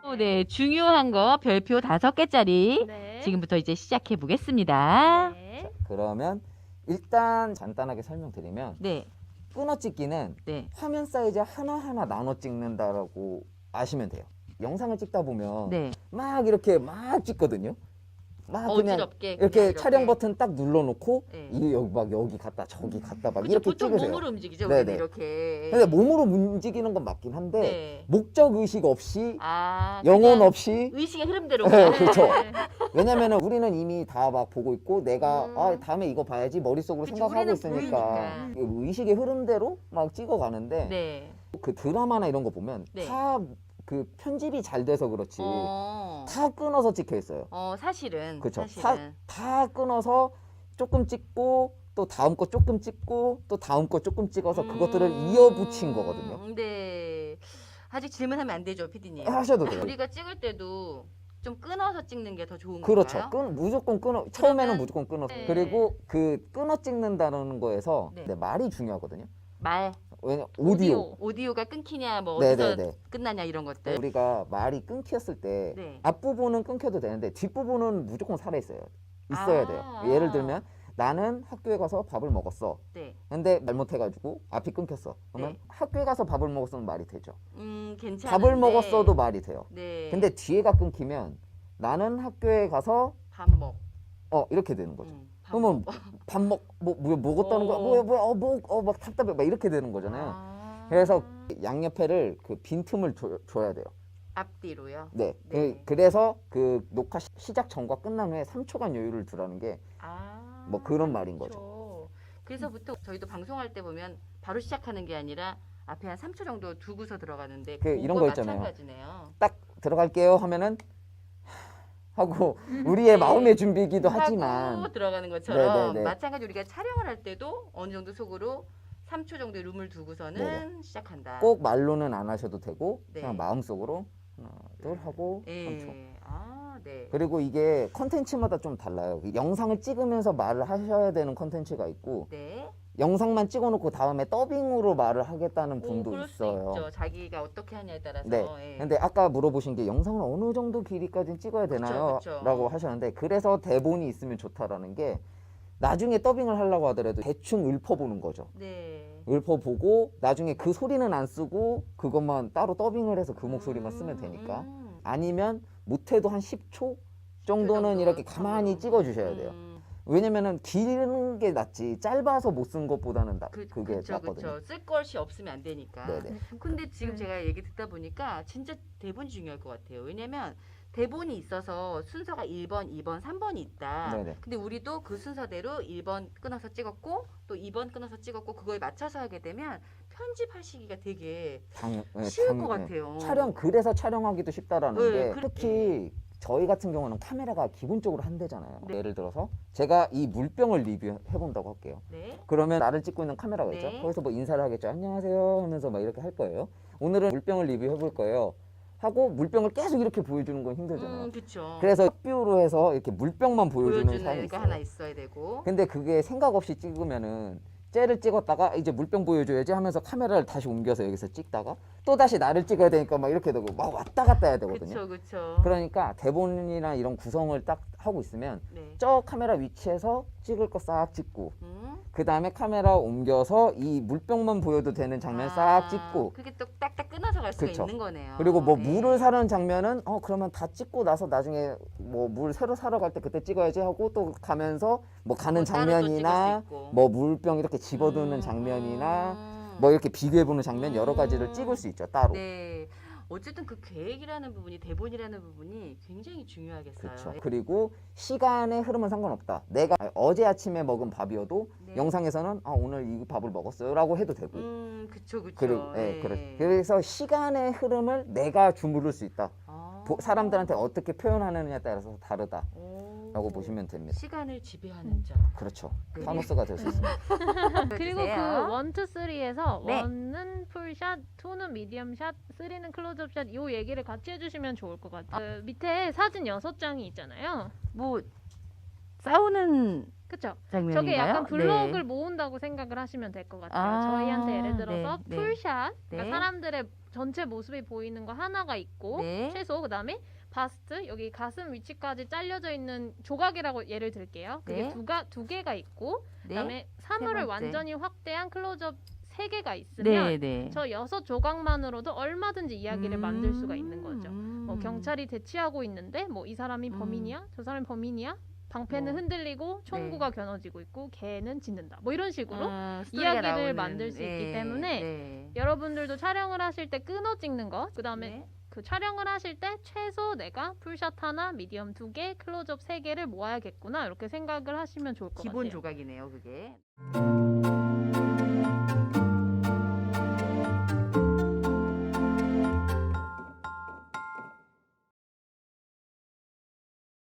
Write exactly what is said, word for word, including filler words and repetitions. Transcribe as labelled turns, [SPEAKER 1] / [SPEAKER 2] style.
[SPEAKER 1] 어, 네, 중요한 거 별표 다섯 개짜리
[SPEAKER 2] 네.
[SPEAKER 1] 지금부터 이제 시작해 보겠습니다.
[SPEAKER 2] 네.
[SPEAKER 3] 자, 그러면 일단 간단하게 설명드리면
[SPEAKER 1] 네,
[SPEAKER 3] 끊어찍기는
[SPEAKER 1] 네,
[SPEAKER 3] 화면 사이즈 하나하나 나눠 찍는다라고 아시면 돼요. 영상을 찍다 보면
[SPEAKER 1] 네.
[SPEAKER 3] 막 이렇게 막 찍거든요. 막 그냥
[SPEAKER 1] 어지럽게 그냥
[SPEAKER 3] 이렇게
[SPEAKER 1] 이렇게.
[SPEAKER 3] 촬영 버튼 딱 눌러놓고
[SPEAKER 1] 네.
[SPEAKER 3] 이 여기 막 여기 갔다 저기 갔다 막
[SPEAKER 1] 그쵸,
[SPEAKER 3] 이렇게
[SPEAKER 1] 보통
[SPEAKER 3] 찍으세요.
[SPEAKER 1] 몸으로 움직이죠,
[SPEAKER 3] 네네.
[SPEAKER 1] 우리는 이렇게.
[SPEAKER 3] 근데 몸으로 움직이는 건 맞긴 한데
[SPEAKER 1] 네.
[SPEAKER 3] 목적 의식 없이
[SPEAKER 1] 아,
[SPEAKER 3] 영혼
[SPEAKER 1] 그냥
[SPEAKER 3] 없이
[SPEAKER 1] 의식의 흐름대로.
[SPEAKER 3] 네, 그렇죠.
[SPEAKER 2] 네.
[SPEAKER 3] 왜냐면은 우리는 이미 다 막 보고 있고 내가
[SPEAKER 1] 음.
[SPEAKER 3] 아 다음에 이거 봐야지 머릿속으로
[SPEAKER 1] 그치,
[SPEAKER 3] 생각하고
[SPEAKER 1] 우리는
[SPEAKER 3] 있으니까
[SPEAKER 1] 보이니까.
[SPEAKER 3] 그 의식의 흐름대로 막 찍어가는데
[SPEAKER 1] 네.
[SPEAKER 3] 그 드라마나 이런 거 보면
[SPEAKER 1] 네.
[SPEAKER 3] 다 그 편집이 잘 돼서 그렇지
[SPEAKER 1] 어,
[SPEAKER 3] 다 끊어서 찍혀 있어요.
[SPEAKER 1] 어, 사실은.
[SPEAKER 3] 그렇죠. 다,
[SPEAKER 1] 사실은.
[SPEAKER 3] 다 끊어서 조금 찍고 또 다음 거 조금 찍고 또 다음 거 조금 찍어서 그것들을
[SPEAKER 1] 음,
[SPEAKER 3] 이어붙인 거거든요.
[SPEAKER 1] 네. 아직 질문하면 안 되죠, 피디님.
[SPEAKER 3] 하셔도 돼요.
[SPEAKER 1] 우리가 찍을 때도 좀 끊어서 찍는 게 더 좋은
[SPEAKER 3] 그렇죠.
[SPEAKER 1] 건가요?
[SPEAKER 3] 끊, 무조건 끊어. 처음에는
[SPEAKER 1] 그러면-
[SPEAKER 3] 무조건 끊어서.
[SPEAKER 1] 네.
[SPEAKER 3] 그리고 그 끊어 찍는다는 거에서
[SPEAKER 1] 네.
[SPEAKER 3] 네, 말이 중요하거든요.
[SPEAKER 1] 말,
[SPEAKER 3] 왜냐 오디오.
[SPEAKER 2] 오디오.
[SPEAKER 1] 오디오가 끊기냐, 뭐 어디서
[SPEAKER 3] 네네네.
[SPEAKER 1] 끝나냐 이런 것들.
[SPEAKER 3] 우리가 말이 끊겼을 때
[SPEAKER 1] 네.
[SPEAKER 3] 앞부분은 끊겨도 되는데 뒷부분은 무조건 살아 있어요. 있어야
[SPEAKER 1] 아.
[SPEAKER 3] 돼요. 예를 들면 나는 학교에 가서 밥을 먹었어.
[SPEAKER 1] 네.
[SPEAKER 3] 근데 말 못해가지고 앞이 끊겼어. 그러면
[SPEAKER 1] 네.
[SPEAKER 3] 학교에 가서 밥을 먹었으면 말이 되죠.
[SPEAKER 1] 음, 괜찮은데.
[SPEAKER 3] 밥을 먹었어도 말이 돼요.
[SPEAKER 1] 네.
[SPEAKER 3] 근데 뒤에가 끊기면 나는 학교에 가서
[SPEAKER 1] 밥 먹.
[SPEAKER 3] 어 이렇게 되는 거죠.
[SPEAKER 1] 음, 밥
[SPEAKER 3] 그러면
[SPEAKER 1] 먹.
[SPEAKER 3] 밥 먹, 뭐, 뭐 먹었다는 거야?
[SPEAKER 1] 어.
[SPEAKER 3] 뭐야, 뭐야, 어, 뭐, 어, 막 답답해, 막 이렇게 되는 거잖아요.
[SPEAKER 1] 아.
[SPEAKER 3] 그래서 양옆에를 그 빈틈을 줘, 줘야 돼요.
[SPEAKER 1] 앞뒤로요.
[SPEAKER 3] 네.
[SPEAKER 1] 네.
[SPEAKER 3] 그, 그래서 그 녹화 시, 시작 전과 끝난 후에 삼 초간 여유를 두라는 게
[SPEAKER 1] 아.
[SPEAKER 3] 뭐 그런 말인 거죠.
[SPEAKER 1] 그렇죠. 그래서 보통 저희도 방송할 때 보면 바로 시작하는 게 아니라 앞에 한 삼 초 정도 두고서 들어가는데
[SPEAKER 3] 그 이런
[SPEAKER 1] 그거
[SPEAKER 3] 거 있잖아요.
[SPEAKER 1] 마찬가지네요.
[SPEAKER 3] 딱 들어갈게요 하면은 하고 우리의
[SPEAKER 1] 네.
[SPEAKER 3] 마음의 준비이기도
[SPEAKER 1] 하고
[SPEAKER 3] 하지만
[SPEAKER 1] 들어가는 것처럼
[SPEAKER 3] 네네네.
[SPEAKER 1] 마찬가지 우리가 촬영을 할 때도 어느 정도 속으로 삼 초 정도의 룸을 두고서는
[SPEAKER 3] 네네.
[SPEAKER 1] 시작한다.
[SPEAKER 3] 꼭 말로는 안 하셔도 되고
[SPEAKER 1] 네.
[SPEAKER 3] 그냥 마음속으로 하나, 둘 하고 삼 초.
[SPEAKER 1] 예. 아, 네.
[SPEAKER 3] 그리고 이게 컨텐츠마다 좀 달라요. 영상을 찍으면서 말을 하셔야 되는 컨텐츠가 있고
[SPEAKER 1] 네.
[SPEAKER 3] 영상만 찍어놓고 다음에 더빙으로 말을 하겠다는
[SPEAKER 1] 오,
[SPEAKER 3] 분도
[SPEAKER 1] 그럴 수
[SPEAKER 3] 있어요.
[SPEAKER 1] 있죠. 자기가 어떻게 하냐에 따라서.
[SPEAKER 3] 네.
[SPEAKER 1] 예.
[SPEAKER 3] 근데 아까 물어보신 게 영상을 어느 정도 길이까지 찍어야 되나요?
[SPEAKER 1] 그쵸.
[SPEAKER 3] 라고 하셨는데 그래서 대본이 있으면 좋다라는 게 나중에 더빙을 하려고 하더라도 대충 읊어보는 거죠.
[SPEAKER 1] 네.
[SPEAKER 3] 읊어보고 나중에 그 소리는 안 쓰고 그것만 따로 더빙을 해서 그 목소리만 쓰면
[SPEAKER 1] 음,
[SPEAKER 3] 되니까
[SPEAKER 1] 음.
[SPEAKER 3] 아니면 못해도 한 십 초 정도는
[SPEAKER 1] 정도
[SPEAKER 3] 이렇게 가만히
[SPEAKER 1] 정도.
[SPEAKER 3] 찍어주셔야 돼요.
[SPEAKER 1] 음.
[SPEAKER 3] 왜냐면은 기는 게 낫지 짧아서 못 쓴 것보다는 나,
[SPEAKER 1] 그,
[SPEAKER 3] 그게
[SPEAKER 1] 그쵸,
[SPEAKER 3] 낫거든요.
[SPEAKER 1] 그쵸. 쓸 것이 없으면 안 되니까.
[SPEAKER 3] 네네.
[SPEAKER 1] 근데 지금
[SPEAKER 2] 네.
[SPEAKER 1] 제가 얘기 듣다 보니까 진짜 대본이 중요할 것 같아요. 왜냐면 대본이 있어서 순서가 일 번, 이 번, 삼 번이 있다.
[SPEAKER 3] 네네.
[SPEAKER 1] 근데 우리도 그 순서대로 일 번 끊어서 찍었고 또 이 번 끊어서 찍었고 그거에 맞춰서 하게 되면 편집하시기가 되게
[SPEAKER 3] 당, 네,
[SPEAKER 1] 쉬울
[SPEAKER 3] 당-
[SPEAKER 1] 것
[SPEAKER 3] 네.
[SPEAKER 1] 같아요.
[SPEAKER 3] 촬영 그래서 촬영하기도 쉽다라는
[SPEAKER 1] 네,
[SPEAKER 3] 게
[SPEAKER 1] 그래-
[SPEAKER 3] 특히 저희 같은 경우는 카메라가 기본적으로 한 대잖아요.
[SPEAKER 1] 네.
[SPEAKER 3] 예를 들어서 제가 이 물병을 리뷰해 본다고 할게요.
[SPEAKER 1] 네.
[SPEAKER 3] 그러면 나를 찍고 있는 카메라가 있죠.
[SPEAKER 1] 네.
[SPEAKER 3] 거기서 뭐 인사를 하겠죠. 안녕하세요 하면서 막 이렇게 할 거예요. 오늘은 물병을 리뷰해 볼 거예요. 하고 물병을 계속 이렇게 보여주는 건 힘들잖아요.
[SPEAKER 1] 음, 그쵸.
[SPEAKER 3] 그래서 뷰로 해서 이렇게 물병만 보여주는
[SPEAKER 1] 보여주는
[SPEAKER 3] 사람이
[SPEAKER 1] 게
[SPEAKER 3] 있어요.
[SPEAKER 1] 하나 있어야 되고.
[SPEAKER 3] 근데 그게 생각 없이 찍으면은 째를 찍었다가 이제 물병 보여줘야지 하면서 카메라를 다시 옮겨서 여기서 찍다가 또 다시 나를 찍어야 되니까 막 이렇게 되고 막 왔다 갔다 해야 되거든요.
[SPEAKER 1] 그쵸, 그쵸.
[SPEAKER 3] 그러니까 대본이나 이런 구성을 딱 하고 있으면
[SPEAKER 1] 네.
[SPEAKER 3] 저 카메라 위치에서 찍을 거 싹 찍고
[SPEAKER 1] 음.
[SPEAKER 3] 그 다음에 카메라 옮겨서 이 물병만 보여도 되는 장면 싹
[SPEAKER 1] 아,
[SPEAKER 3] 찍고
[SPEAKER 1] 그게 또 딱딱 끊어서 갈 수가
[SPEAKER 3] 그쵸.
[SPEAKER 1] 있는 거네요.
[SPEAKER 3] 그리고 뭐
[SPEAKER 1] 네.
[SPEAKER 3] 물을 사는 장면은 어 그러면 다 찍고 나서 나중에 뭐 물 새로 사러 갈 때 그때 찍어야지 하고 또 가면서 뭐 가는
[SPEAKER 1] 뭐 따로 또
[SPEAKER 3] 장면이나
[SPEAKER 1] 찍을 수 있고.
[SPEAKER 3] 뭐 물병 이렇게 집어두는
[SPEAKER 1] 음,
[SPEAKER 3] 장면이나
[SPEAKER 1] 음.
[SPEAKER 3] 뭐 이렇게 비교해보는 장면 여러 가지를
[SPEAKER 1] 음.
[SPEAKER 3] 찍을 수 있죠 따로.
[SPEAKER 1] 네. 어쨌든 그 계획이라는 부분이 대본이라는 부분이 굉장히 중요하겠어요.
[SPEAKER 3] 그렇죠. 그리고 시간의 흐름은 상관없다. 내가 어제 아침에 먹은 밥이어도
[SPEAKER 1] 네.
[SPEAKER 3] 영상에서는 아 오늘 이 밥을 먹었어요라고 해도 되고.
[SPEAKER 1] 음, 그쵸, 그쵸.
[SPEAKER 3] 그리고 예,
[SPEAKER 1] 네.
[SPEAKER 3] 그래. 그래서 시간의 흐름을 내가 주무를 수 있다.
[SPEAKER 1] 아.
[SPEAKER 3] 보- 사람들한테 어떻게 표현하느냐에 따라서 다르다라고
[SPEAKER 1] 오.
[SPEAKER 3] 보시면 됩니다.
[SPEAKER 1] 시간을 지배하는 자.
[SPEAKER 3] 그렇죠.
[SPEAKER 1] 네.
[SPEAKER 3] 타노스가 될 수 있습니다.
[SPEAKER 2] 그리고 그 원, 투, 쓰리에서
[SPEAKER 1] 네.
[SPEAKER 2] 원은 풀샷, 투는 미디엄샷, 쓰리는 클로즈업샷 요 얘기를 같이 해주시면 좋을 것 같아요. 그 밑에 사진 여섯 장이 있잖아요.
[SPEAKER 1] 뭐 싸우는
[SPEAKER 2] 그쵸?
[SPEAKER 1] 장면인가요?
[SPEAKER 2] 저게 약간 블록을
[SPEAKER 1] 네.
[SPEAKER 2] 모은다고 생각을 하시면 될 것 같아요.
[SPEAKER 1] 아,
[SPEAKER 2] 저희한테 예를 들어서
[SPEAKER 1] 네, 네.
[SPEAKER 2] 풀샷, 그러니까
[SPEAKER 1] 네.
[SPEAKER 2] 사람들의 전체 모습이 보이는 거 하나가 있고
[SPEAKER 1] 네.
[SPEAKER 2] 최소 그다음에 바스트 여기 가슴 위치까지 잘려져 있는 조각이라고 예를 들게요. 그게
[SPEAKER 1] 네.
[SPEAKER 2] 두가 두 개가 있고
[SPEAKER 1] 네.
[SPEAKER 2] 그다음에 사물을
[SPEAKER 1] 번째.
[SPEAKER 2] 완전히 확대한 클로즈업 세 개가 있으면
[SPEAKER 1] 네, 네.
[SPEAKER 2] 저 여섯 조각만으로도 얼마든지 이야기를 만들 수가 있는 거죠.
[SPEAKER 1] 음.
[SPEAKER 2] 뭐 경찰이 대치하고 있는데 뭐 이 사람이
[SPEAKER 1] 음.
[SPEAKER 2] 범인이야? 저 사람이 범인이야? 방패는
[SPEAKER 1] 뭐.
[SPEAKER 2] 흔들리고 총구가 겨눠지고 있고 개는 짖는다. 뭐 이런 식으로
[SPEAKER 1] 아, 스토리가
[SPEAKER 2] 이야기를
[SPEAKER 1] 나오는,
[SPEAKER 2] 만들 수 있기
[SPEAKER 1] 네,
[SPEAKER 2] 때문에
[SPEAKER 1] 네.
[SPEAKER 2] 여러분들도 촬영을 하실 때 끊어 찍는 거, 그 다음에
[SPEAKER 1] 네.
[SPEAKER 2] 그 촬영을 하실 때 최소 내가 풀샷 하나, 미디엄 두 개, 클로즈업 세 개를 모아야겠구나 이렇게 생각을 하시면 좋을 것
[SPEAKER 1] 기본
[SPEAKER 2] 같아요.
[SPEAKER 1] 조각이네요, 그게.